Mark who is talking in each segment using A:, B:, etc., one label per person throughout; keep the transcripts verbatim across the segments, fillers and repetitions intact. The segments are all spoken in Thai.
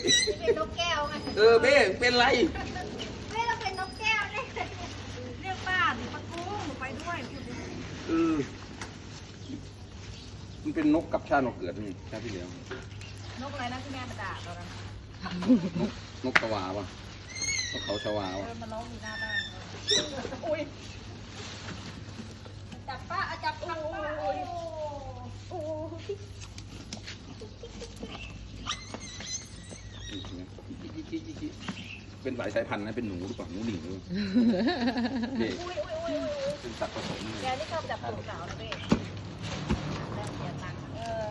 A: เป็นนกแก้วไง
B: เออเบ้เป็นไร
A: เบ้เราเป็นนกแก้วเนี่ย
C: เรียกป้าหนูปะกุ้งหนูไปด้วย
B: เออมันเป็นนกกับชาตินกเกิดนี่ชาติที่แล้ว
C: นกอะไรนะที่แม่มาด่าเรานะ
B: นกนกชวาป่ะนกเขาชวา
C: เอ
B: ป่ะ
C: อมาร้องอยู่หน้าบ้านอุ้ยจับป้าจับป้าโอ้ยโอ้ย
B: เป็นหลายสายพันธุ์นะเป็นหนูหรือเปล่าหนูหนิงหรือเบ้
C: อุ้ยอุ้ยอุ้ยอุ้ย
B: เป็นสัตว์ผสม
C: แกนี่ชอบจับตัวสาวนะเบ้แล้วเสียตังค์เออ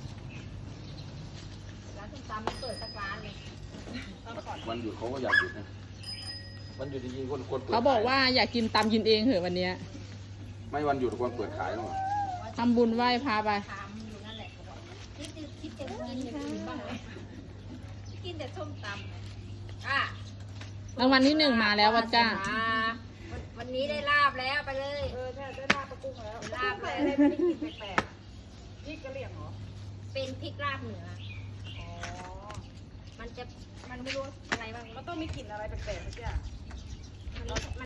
C: ร้านส้มตำไม่เปิดสักร้านเลยต้องก่อน
B: วันหยุดเขาก็อยากหยุดนะวันหยุดจริงๆคนควรเปิด
D: เขาบอกว่าอยากกินตำกินเองเหอะวันเนี้ย
B: ไม่วันหยุดควรเปิดขายหรอก
D: ทำบุญไหว้พาไป
A: ถามอยู่นั่นแหละคิดคิดแต่กินแต่กินบ้างเลยกินแต่ส้มตำอ่ะ
D: รางวัลที่หนึ่งมาแล้ววัดจ้า
A: วันนี้ได้ลาบแล้วไปเลย
C: เออใช่ได้ลาบปลากุ้งแล้ว
A: ลาบ
C: ใส่อะไรไม่ได้กินแปลกๆพริกกะเหรี่ยงเหรอ
A: เป็นพริกลาบเหนือ
C: อ๋อ
A: มันจะมันไม่รู้อะไรบ้าง
C: มันต้องมีกลิ่นอะไรแปลกๆสักอย่าง
A: มัน